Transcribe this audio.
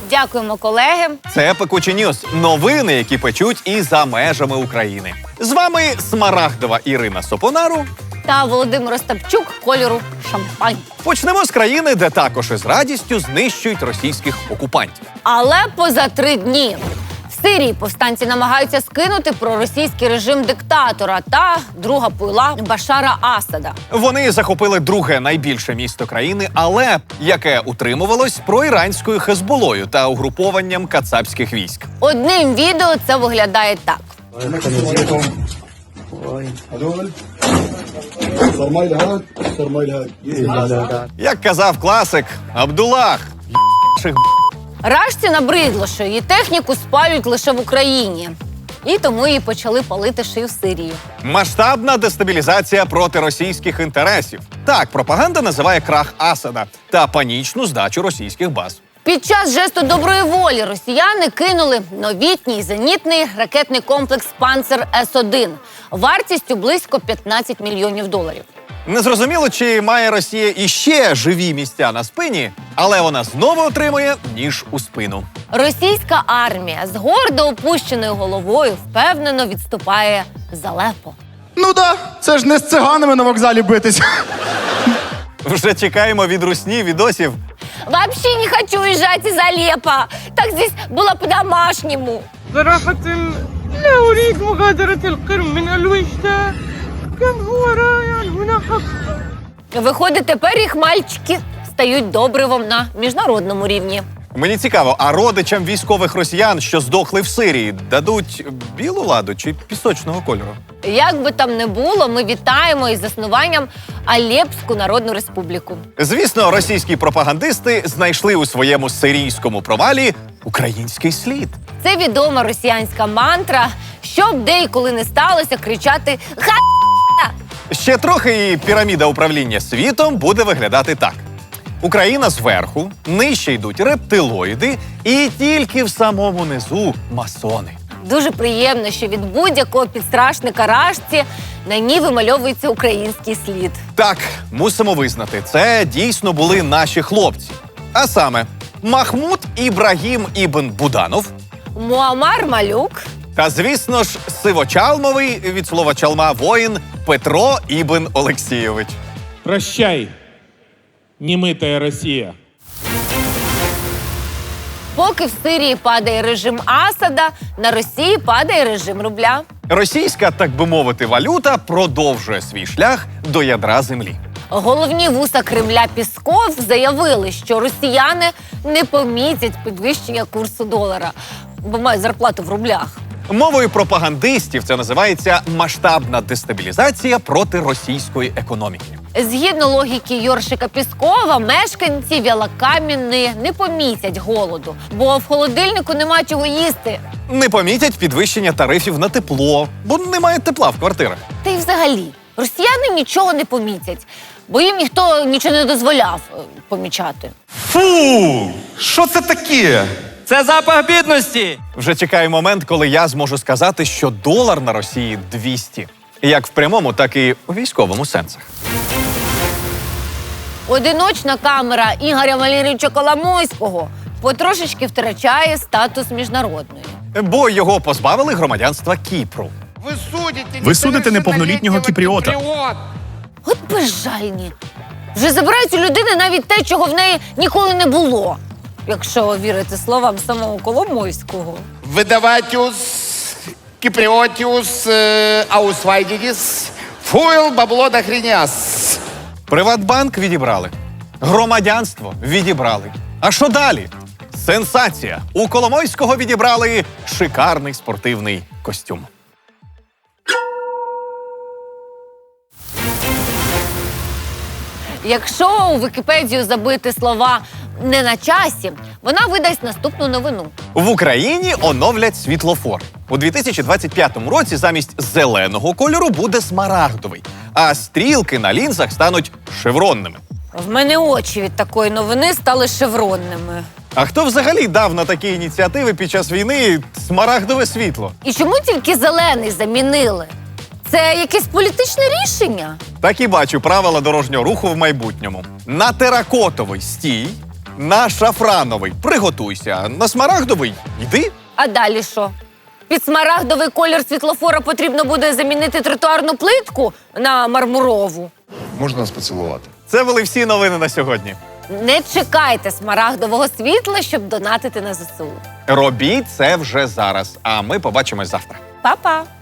Дякуємо, колеги. Це Пекучі Ньюс. Новини, які печуть і за межами України. З вами Смарагдова Ірина Сопонару Та Володимир Остапчук кольору шампань. Почнемо з країни, де також із радістю знищують російських окупантів. Але поза 3 дні. В Сирії повстанці намагаються скинути проросійський режим диктатора та друга пуйла Башара Асада. Вони захопили друге найбільше місто країни Алеп, яке утримувалось проіранською Хезболою та угрупованням кацапських військ. Одним відео це виглядає так. Як казав класик Абдулах, Рашці набридло, що її техніку спалюють лише в Україні. І тому її почали палити ще й в Сирії. масштабна дестабілізація проти російських інтересів. Так пропаганда називає крах Асада та панічну здачу російських баз. Під час жесту доброї волі росіяни кинули новітній зенітний ракетний комплекс «Панцер С-1» вартістю близько $15 мільйонів. Незрозуміло, чи має Росія іще живі місця на спині, але вона знову отримує ніж у спину. Російська армія з гордо опущеною головою впевнено відступає з Алеппо. Ну да, це ж не з циганами на вокзалі битись. Вже чекаємо від русні відосів. Вообще не хочу уезжать из Алеппо. Так здесь было по-домашнему. صراحة لا أريد مغادرة القرم من الوجدة كان هو رائع هنا حق. Виходить, тепер їх мальчики стають добривом на міжнародному рівні. Мені цікаво, а родичам військових росіян, що здохли в Сирії, дадуть білу ладу чи пісочного кольору? Як би там не було, ми вітаємо із заснуванням Алепську Народну Республіку. Звісно, російські пропагандисти знайшли у своєму сирійському провалі український слід. Це відома росіянська мантра, щоб де і коли не сталося, кричати «Ха!». Ще трохи і піраміда управління світом буде виглядати так. Україна зверху, нижче йдуть рептилоїди і тільки в самому низу масони. Дуже приємно, що від будь-якого підстрашника Рашці на ній вимальовується український слід. Так, мусимо визнати, це дійсно були наші хлопці. А саме, Махмуд Ібрагім ібн Буданов Муамар Малюк. та, звісно ж, сивочалмовий, від слова чалма, воїн Петро ібн Олексійович. Прощай, немытая Россия. Поки в Сирії падає режим Асада, на Росії падає режим рубля. Російська, так би мовити, валюта продовжує свій шлях до ядра землі. Головні вуса Кремля Пісков заявили, що росіяни не помітять підвищення курсу долара, бо мають зарплату в рублях. Мовою пропагандистів це називається масштабна дестабілізація проти російської економіки. Згідно логіки Йоршика Піскова, мешканці Вілокам'яни не помітять голоду, бо в холодильнику нема чого їсти. Не помітять підвищення тарифів на тепло, бо немає тепла в квартирах. Та й взагалі, росіяни нічого не помітять, бо їм ніхто нічого не дозволяв помічати. Фу, що це таке? Це запах бідності. Вже чекає момент, коли я зможу сказати, що долар на Росії 200. Як в прямому, так і у військовому сенсах. Одиночна камера Ігоря Валерійовича Коломойського потрошечки втрачає статус міжнародної. Бо його позбавили громадянства Кіпру. Ви судите неповнолітнього кіпріота. От безжальні. Вже забирають у людини навіть те, чого в неї ніколи не було. Якщо вірити словам самого Коломойського. Видаватіус, кіпріотіус, аусвайдідіс, фуйл, бабло да хріняс. Приватбанк відібрали. Громадянство відібрали. А що далі? Сенсація! У Коломойського відібрали шикарний спортивний костюм. Якщо у Вікіпедію забити слова «не на часі», вона видасть наступну новину. В Україні оновлять світлофор. У 2025 році замість зеленого кольору буде смарагдовий, а стрілки на лінзах стануть шевронними. В мене очі від такої новини стали шевронними. А хто взагалі дав на такі ініціативи під час війни смарагдове світло? І чому тільки зелений замінили? Це якесь політичне рішення? Так і бачу правила дорожнього руху в майбутньому. На теракотовий стій, На шафрановий приготуйся, на смарагдовий йди. А далі що? Під смарагдовий колір світлофора потрібно буде замінити тротуарну плитку на мармурову. Можна нас поцілувати? Це були всі новини на сьогодні. Не чекайте смарагдового світла, щоб донатити на ЗСУ. Робіть це вже зараз, а ми побачимось завтра. Па-па!